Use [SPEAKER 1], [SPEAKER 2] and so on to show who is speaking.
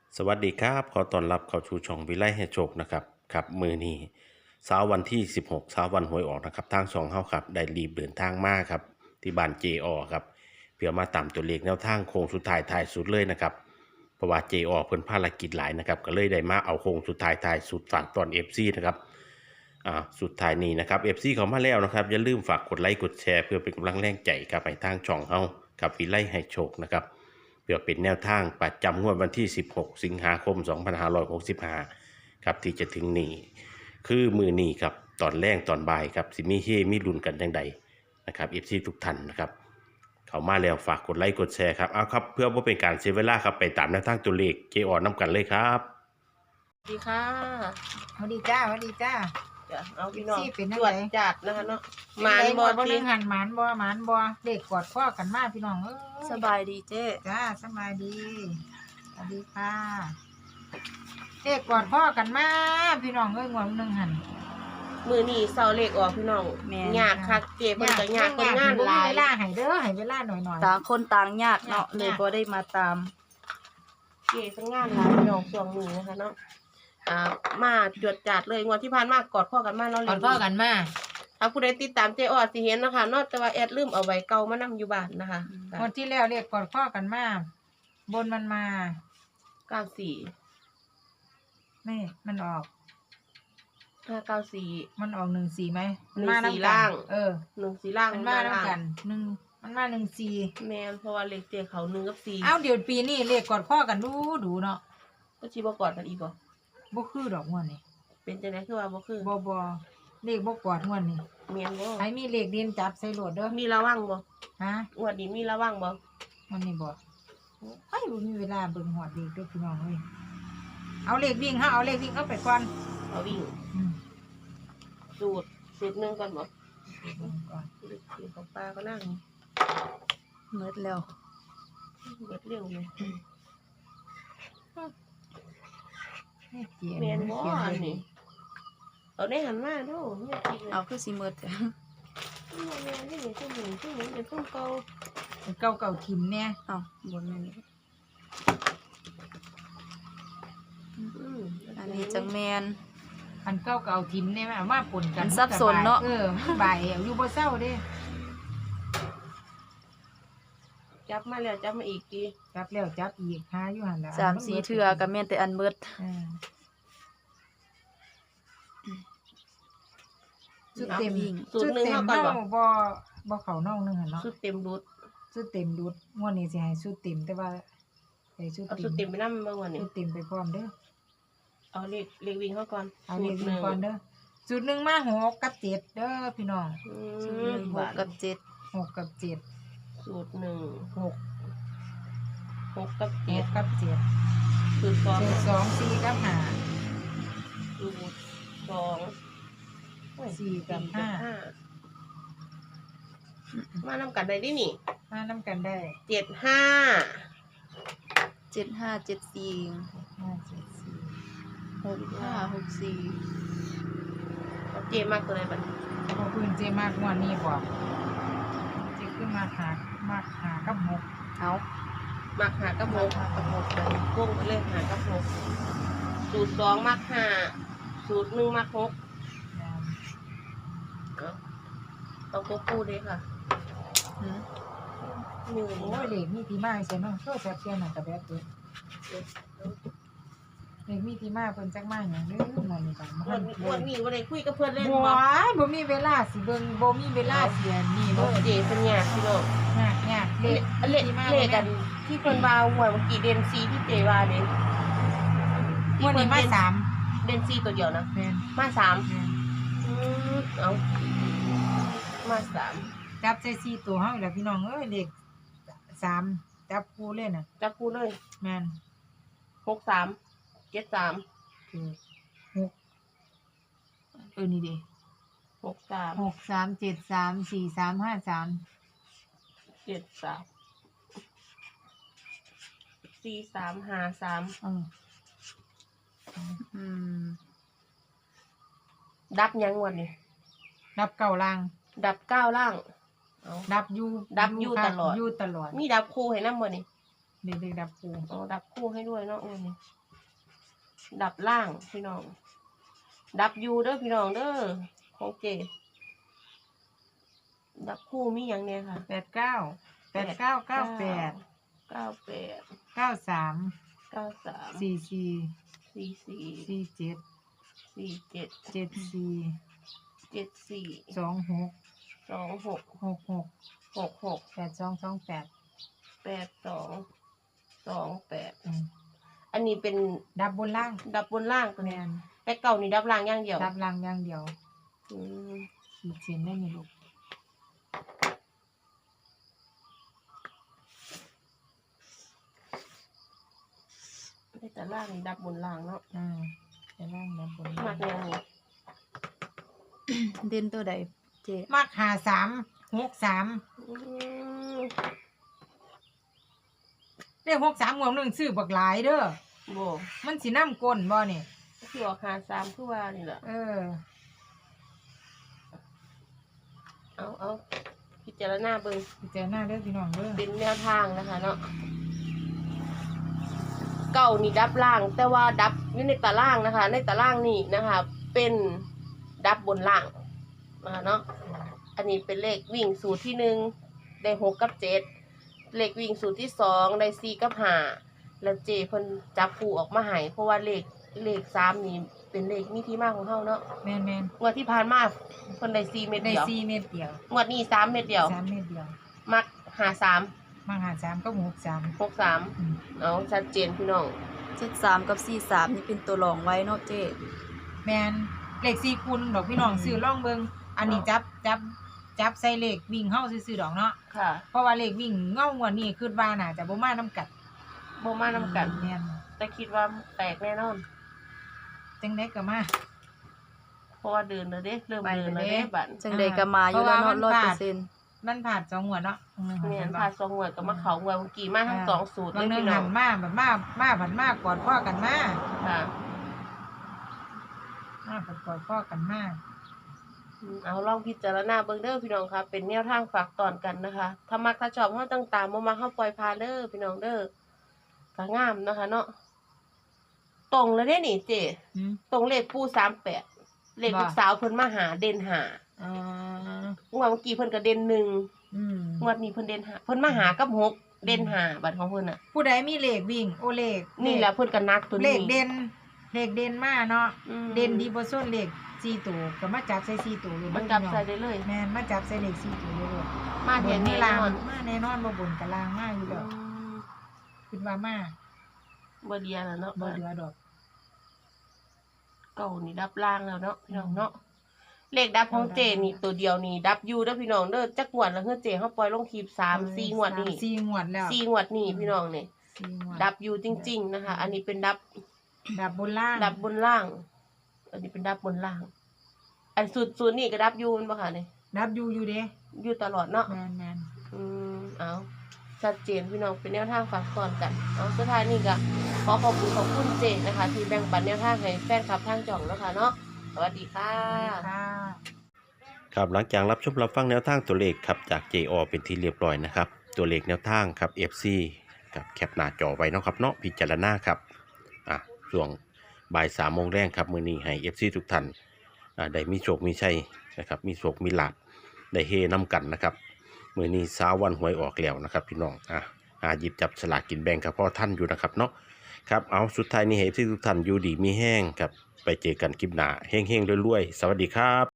[SPEAKER 1] สวัสดีครับขอต้อนรับเข้าสู่ช่องวิไลให้โชคนะครับครับมือนี้เช้าวันที่16เช้าวันหวยออกนะครับทางช่องเฮาครับได้รีบเดินทางมาครับที่บ้านเจอครับเพื่อมาตามตัวเลขแนวทางโค้งสุดท้ายท้ายสุดเลยนะครับเพราะว่าเจอเพิ่นภารกิจหลายนะครับก็เลยได้มาเอาโค้งสุดท้ายท้ายสุดฝากตอน FC นะครับสุดท้ายนี้นะครับ FC เขามาแล้วนะครับอย่าลืมฝากกดไลค์กดแชร์เพื่อเป็นกำลังแรงใจกับให้ทางช่องเฮากับวิไลให้โชคนะครับ เพื่อเป็นแนวทางประจำงวดวันที่16สิงหาคม2565ครับที่จะถึงนี้คือมือนี้ครับตอนแรกตอนบ่ายครับสิมีเฮมีลุ้นกันจังใดนะครับเอฟซีทุกท่านนะครับเขามาแล้วฝากกดไลค์กดแชร์ครับเอาครับเพื่อว่าเป็นการเสียเวลาครับไปตามแนวทางตัวเลขเจอน้ำกันเลยครับ
[SPEAKER 2] สวัสดีค่ะ
[SPEAKER 3] สวัสดีจ้าสวัสดีจ้า
[SPEAKER 2] จะเอาพี่น้อง
[SPEAKER 3] เป็นจั
[SPEAKER 2] จ
[SPEAKER 3] ง
[SPEAKER 2] ว
[SPEAKER 3] ได
[SPEAKER 2] ดจัดนะคะเนาะห
[SPEAKER 3] มาม
[SPEAKER 2] าน
[SPEAKER 3] บ่
[SPEAKER 2] บ่
[SPEAKER 3] บ่
[SPEAKER 2] ที
[SPEAKER 3] เรื่องหันหมานบ่เด็กกอดข้อกันมาพี่น้อง
[SPEAKER 2] สบายดีเจ๊
[SPEAKER 3] จ้าสบายดีสวัสดีค่ะเด็กกอดข้อกันมาพี่น้องงวดนึงหัน
[SPEAKER 2] มือนี่เสาเลขออกพี่น้องยากคักเจ๊เพิ่นก็ยากคนงานหลาย
[SPEAKER 3] เวลาให้เด้อให้เวลาหน่อย
[SPEAKER 4] ต่างคนต่างยากเนาะเลยบ่ได้มาตาม
[SPEAKER 2] เจ๊คนงานหลายพี่น้องช่วงนี้นะคะเนาะมาจวดจัดเลยงวดที่ผ่านมากอดข้อกันมาเนาะ
[SPEAKER 3] กอดข้อกันมา
[SPEAKER 2] ถ้าผู้ใดติดตามเจ๊ออดสิเห็นนะคะเนาะแต่ว่าแอดลืมเอาใบเก่ามานํอยู่บ้านนะคะ
[SPEAKER 3] งวดที่แล้วเรียกกอดข้อกันมาบนมันมา
[SPEAKER 2] 94
[SPEAKER 3] นี่มันออก
[SPEAKER 2] 594
[SPEAKER 3] มันออก14ไหมมัน
[SPEAKER 2] 14
[SPEAKER 3] มาน้ำกั
[SPEAKER 2] ล่าน ง 14ล่าง
[SPEAKER 3] มันมาน้ำกันมันมา14
[SPEAKER 2] แม่นเพราะว่าเลขเจ๊เขา1กับ4
[SPEAKER 3] เอ้าเดี๋ยวปีนี้เรียกกอดข้อกันดูเนาะ
[SPEAKER 2] ก็สิบ่กอดกันอีกบ่
[SPEAKER 3] บ่คือดอกงวดนี่
[SPEAKER 2] เป็นจังได๋คือว่าบ่คือ
[SPEAKER 3] บ่เลขบ่กอดงวดนี่
[SPEAKER 2] แม่นบ่
[SPEAKER 3] ให้มีเลขเด่นจับใส่โหลดเด้อ
[SPEAKER 2] มีระวังบ่
[SPEAKER 3] ฮะ
[SPEAKER 2] งวดนี้มีระวังบ่
[SPEAKER 3] มันนี่บ่ไอ้บ่มีเวลาเบิ่งฮอดเลขเด้อพี่น้องเอ้ยเอาเลขวิ่งเฮาเอาเลขวิ่งเอาไปก่อน
[SPEAKER 2] เอาวิ่ง
[SPEAKER 3] อืม
[SPEAKER 2] สูตรหนึงก่อนบ่
[SPEAKER 3] เบิ่งก่อน
[SPEAKER 2] สูตรของป้าก็นั่ง
[SPEAKER 4] เมิดแล้ว
[SPEAKER 2] เบิดเร็วเลย
[SPEAKER 3] นี่เจียน
[SPEAKER 2] แม่นบ่
[SPEAKER 3] เขียน
[SPEAKER 2] อัน
[SPEAKER 3] ไว้
[SPEAKER 2] นี้เอาได้หันมาเด้อแม่จริงเลย
[SPEAKER 4] เอาคือสิเมิด
[SPEAKER 2] แม่นี่ซุ่มเป็นซุ่มเก่า
[SPEAKER 3] เก่าถิ่มแน่
[SPEAKER 4] เอาบนแม่น
[SPEAKER 2] อืม
[SPEAKER 4] อันนี้จังแมน
[SPEAKER 3] อันเก่าถิ่มแน่เอามาปนกัน
[SPEAKER 4] มันสับสนเนาะ
[SPEAKER 3] มันบ่ายเอาอยู่บ่เซาเด้
[SPEAKER 2] จับมาแล้วจับมาอีกที
[SPEAKER 3] จับแล้วจับอีกหาอยู่หั่นล่ะ
[SPEAKER 4] 3-4เทื่อก็แม่นแต่อันเมิด
[SPEAKER 3] ชุดเต็ม
[SPEAKER 2] สูตรหนึงเฮาก่อนบ่
[SPEAKER 3] บ่เข้าน้องนึงหั่นเนาะ
[SPEAKER 2] สูตรเต็มรุด
[SPEAKER 3] ชุดเต็มรุดงวดนี้สิให้ชุดเต็มแต่ว่าให้ชุด
[SPEAKER 2] เอา
[SPEAKER 3] เต็
[SPEAKER 2] สูตรเต็ม
[SPEAKER 3] ม
[SPEAKER 2] ไปนำเบิ่งวันนี้
[SPEAKER 3] ชุดเต็มไปพร้อมเด้อ
[SPEAKER 2] เอาเลขวิ่งเฮาก่อน
[SPEAKER 3] เอาเลขวิ่งก่อนเด้อจุดหนึ่งมา6กับ7เด้อพี่น้อง
[SPEAKER 4] สูตรหนึ่ง6กับ7
[SPEAKER 3] 6กับ7
[SPEAKER 2] สูตร1 6 6กับ7
[SPEAKER 3] 6กับ7
[SPEAKER 2] สูตร2
[SPEAKER 3] สูตร2 4กับ
[SPEAKER 2] สูตร2
[SPEAKER 3] 4กับ5
[SPEAKER 2] มานำกันได้ดินี่
[SPEAKER 3] มานํกันได้
[SPEAKER 2] 75
[SPEAKER 4] 7574
[SPEAKER 3] 5 7
[SPEAKER 4] 6564
[SPEAKER 2] เจมากตัวไหนบัดนี้
[SPEAKER 3] 4บ่พื้นเจมากงวดนี้บ่เจขึ้นมาหากับ6
[SPEAKER 4] เอา
[SPEAKER 2] มักหากับหก
[SPEAKER 4] กับ6เลย
[SPEAKER 2] วงไปเลยหากับหกสูตร2มักห้าสูตร1มัก6ต้องควบคู่ด้วยค่ะ
[SPEAKER 4] หือ
[SPEAKER 2] หนึ่ง
[SPEAKER 3] โอ้ยเลขมีที่มาใช่เนาะโทรศัพท์เสียน่ะก็แบบเด้อเลขมีที่มาเพิ่นจักมาหยังเด้อหน่อยนี่ก็
[SPEAKER 2] วันนี้วันไหนคุยกับเพื่อนเล่น
[SPEAKER 3] บ่
[SPEAKER 2] บ่
[SPEAKER 3] บ่มีเวลาสิเบิ่งบ่มีเวลาเสียนี่
[SPEAKER 2] เอ
[SPEAKER 3] บ่
[SPEAKER 2] อเจเป็นยากพี่น้อง
[SPEAKER 3] ยากเลข
[SPEAKER 2] เลขกันที่เพิ่นว่าหวยเมื่อกี้เดนซีที่เจว่าเด้
[SPEAKER 3] งวดนี้มาสาม
[SPEAKER 2] เดนซีตัวเดียวนะ
[SPEAKER 3] แม่น
[SPEAKER 2] มา3เอามา3
[SPEAKER 3] จับใส่4ตัวเฮาอีกแล้วพี่น้องเอ้ยเลข3จับคู่เลยน่ะ
[SPEAKER 2] จับคู่เลย
[SPEAKER 3] แม่น
[SPEAKER 2] 63 73
[SPEAKER 3] คือ6นี่ดิ
[SPEAKER 2] 63
[SPEAKER 3] 6 3 7 3 4 3 5 3
[SPEAKER 2] 73 4353
[SPEAKER 4] อืม
[SPEAKER 2] ดับยังวันนี้
[SPEAKER 3] นับเก้าล่าง
[SPEAKER 2] ดับ9ล่างเอา
[SPEAKER 3] ดับอยู่
[SPEAKER 2] ดับอยู่
[SPEAKER 3] ค่ะ
[SPEAKER 2] ตลอด
[SPEAKER 3] อยู่ตลอด
[SPEAKER 2] มีดับคู่ให้นำบ่นี่
[SPEAKER 3] เด็กๆดับคู่
[SPEAKER 2] อ๋อดับคู่ให้ด้วยเนาะวันนี้ดับล่างพี่น้องดับยูเด้อพี่น้องเด้อของเจดับคู่มีอย่างเนี้ยค่ะ
[SPEAKER 3] 89 89 98
[SPEAKER 2] 98
[SPEAKER 3] 93
[SPEAKER 2] 93
[SPEAKER 3] 44
[SPEAKER 2] 44
[SPEAKER 3] 47
[SPEAKER 2] 47
[SPEAKER 3] 74
[SPEAKER 2] 74
[SPEAKER 3] 26
[SPEAKER 2] 26
[SPEAKER 3] 66
[SPEAKER 2] 66
[SPEAKER 3] 8228
[SPEAKER 2] 8228
[SPEAKER 3] อืม
[SPEAKER 2] อันนี้เป็น
[SPEAKER 3] ดับบนล่าง
[SPEAKER 2] ดับบนล่างตัว
[SPEAKER 3] แม
[SPEAKER 2] นี้
[SPEAKER 3] น
[SPEAKER 2] แต่เก่านี่ดับล่างอย่างเดียว
[SPEAKER 3] ดับล่างอย่างเดียว
[SPEAKER 2] อืม
[SPEAKER 3] ขีดเส้นได้ไหมลูก
[SPEAKER 2] ในแต่ล่างนี่ดับบนล่างเนาะ
[SPEAKER 3] แต่ล่างดับบน
[SPEAKER 2] มากแนวนี้
[SPEAKER 4] เด่นตัวใดเจ
[SPEAKER 3] มาก53 63
[SPEAKER 2] อืม
[SPEAKER 3] เลข63งวดหนึงซื้อบักหลายเด้อ
[SPEAKER 2] โบ
[SPEAKER 3] มันสิน้ำก้นบ่นี่
[SPEAKER 2] คือออก53คือว่านี่แหละ เอาพิจารณาเบิ่ง
[SPEAKER 3] พิจารณาเด้อพี่น้องเด้อ
[SPEAKER 2] เป็นแนวทางนะคะเนาะเก่านี่ดับล่าง แต่ว่าดับอยู่ในตารางนะคะ ในตารางนี่นะคะ เป็นดับบนล่างนะคะเนาะอันนี้เป็นเลขวิ่งสูตรที่1ได้6กับ7เลขวิ่งสูตรที่2ได้4กับ5แล้วเจเพิ่นจับคู่ออกมาให้เพราะว่าเลข3นี่เป็นเลขมีที่มาของเฮาเนาะ
[SPEAKER 3] แม่น
[SPEAKER 2] งวดที่ผ่านมาเพิ่นได้4เม็ด
[SPEAKER 3] ๆได้
[SPEAKER 2] เดียว
[SPEAKER 3] 4เม็ดเดียว
[SPEAKER 2] งวดนี้3เม็ดเดียว
[SPEAKER 3] 3เม็ดเดียว
[SPEAKER 2] มัก53
[SPEAKER 3] มา53ก็63
[SPEAKER 2] 63เอาชัดเจนพี่น้อง
[SPEAKER 4] 73กับ43นี่เป็นตัวรองไว้เนาะเจ
[SPEAKER 3] แม่นเลข4คูณดอกพี่น้องซื้อล่องเบิ่งอันนี้จับใส่เลขวิ่งเฮาซื่อๆดอกเนาะ
[SPEAKER 2] ค่ะ
[SPEAKER 3] เพราะว่าเลขวิ่งเงางวดนี้คิดว่าน่าจะบ่มานํกัน
[SPEAKER 2] บ่มานำกัน
[SPEAKER 3] แม่น
[SPEAKER 2] แต่คิดว่าแตกแน่นอน
[SPEAKER 3] จังได๋ก็มา
[SPEAKER 2] เพราะว่าเดินแล้วเด้เริ่มเดินแล้วเด้บัด
[SPEAKER 4] จังใดก็มาอยู่แล้วเนาะ
[SPEAKER 3] เพราะว่ามัน
[SPEAKER 4] 100%
[SPEAKER 3] มันผ่าน2งวดเนาะ
[SPEAKER 2] แม่นพาสองงวดก็มาเข้างวดเมื่อกี้มาทั้งสองสูตรเล
[SPEAKER 3] บาง
[SPEAKER 2] ย
[SPEAKER 3] เนื่อ
[SPEAKER 2] พี่
[SPEAKER 3] ง
[SPEAKER 2] น้
[SPEAKER 3] หั
[SPEAKER 2] อง
[SPEAKER 3] นมาแบบมาผันมากกอดพ่อกันมา
[SPEAKER 2] ค่ะ
[SPEAKER 3] มาผันกอดพ่อกันมา
[SPEAKER 2] เอาลองพิจารณาเบิ่งเด้อพี่น้องค่ะเป็นแนวทางฝากตอนกันนะคะถ้ามักถ้าชอบเฮาต้องตามบ่มักเฮาปล่อยผ่านเด้อพี่น้องเด้อก็งามนะคะเนาะตรงแล้วเด้นี่เจ
[SPEAKER 3] อืม
[SPEAKER 2] ตรงเลขปู่38เลขลูกสาวเพิ่นมาหาเด่นหา
[SPEAKER 3] อ๋อ
[SPEAKER 2] งวดเมื่อกี้เพิ่นก็เด่น1
[SPEAKER 3] อืม
[SPEAKER 2] งวดนี้เพิ่นเด่น5เพิ่นมาหากับ6เด่น5บัดของเพิ่นน่ะ
[SPEAKER 3] ผู้ใดมีเลขวิ่งโอเลข
[SPEAKER 2] นี่แหละเพิ่นก็นักตัว
[SPEAKER 3] เล
[SPEAKER 2] นี้
[SPEAKER 3] ขเด่นเลขเด่นมาเนาะ
[SPEAKER 2] อืม
[SPEAKER 3] เด่นดีบ่ส่วนเลข4ตัวก็มาจับใส่4ตัวเลย
[SPEAKER 2] มันจับใส่ได้เลย
[SPEAKER 3] แม่นมาจับใส่เลข4ตัวเลย
[SPEAKER 2] มา
[SPEAKER 3] บ
[SPEAKER 2] เห็น
[SPEAKER 3] น
[SPEAKER 2] แน่
[SPEAKER 3] นี่ลาง
[SPEAKER 2] นอน
[SPEAKER 3] มาแน่นอนบ่บนกับลางมาอยู่
[SPEAKER 2] อื
[SPEAKER 3] แล้ว
[SPEAKER 2] ม
[SPEAKER 3] คิดว่ามา
[SPEAKER 2] บ่เดียแล้วเนาะ
[SPEAKER 3] บ่เหลือดอก
[SPEAKER 2] เก่านี่ดับล่างแล้วเนาะพี่น้องเนาะเลขดับของเจนี่ตัวเดียวนี่ดับอยู่เด้อพี่น้องเด้อจักงวดแล้วเฮือเจเฮาปล่อยลงคลิป3 4งวดนี่
[SPEAKER 3] 4งวดแล้ว
[SPEAKER 2] 4งวดนี่พี่น้องนี่
[SPEAKER 3] 4งวด
[SPEAKER 2] ดับอยู่จริง ๆนะคะ อันนี้เป็นดับ
[SPEAKER 3] ดับบนล่าง
[SPEAKER 2] ดับบนล่าง อันนี้เป็นดับบนล่าง อันสูตรนี่ก็ดับอยู่แม่นบ่ค่ะนี่
[SPEAKER 3] ดับอยู่เด้
[SPEAKER 2] อยู่ตลอดเนาะ
[SPEAKER 3] แม่น
[SPEAKER 2] เอาชัดเจนพี่น้องเป็นแนวทางฝากตอนกันเอาสุดท้ายนี่ก็ขอขอบคุณเจนะคะ ที่แบ่งปันแนวทางให้แฟนคลับทางจ่องแล้วค่ะเนาะสวัสดีค่ะ
[SPEAKER 3] ค่ะ
[SPEAKER 1] ครับหลังจากรับชมรับฟังแนวทางตัวเลขครับจาก JO เป็นที่เรียบร้อยนะครับตัวเลขแนวทางครับ FC กับแคปหน้าจอไว้เนาะครับเนาะพิจารณาครับช่วงบ่าย3 โมงแรงครับมื้อนี้ให้ FC ทุกท่านได้มีโชคมีชัยนะครับมีโชคมีลาภได้เฮน้ำกันนะครับมื้อนี้เช้าวันหวยออกแล้วนะครับพี่น้องหยิบจับสลากกินแบ่งครับพ่อท่านอยู่นะครับเนาะครับเอาสุดท้ายนี้ให้ FC ทุกท่านอยู่ดีมีแห้งครับไปเจอกันคลิปหน้าเฮงๆรวยๆสวัสดีครับ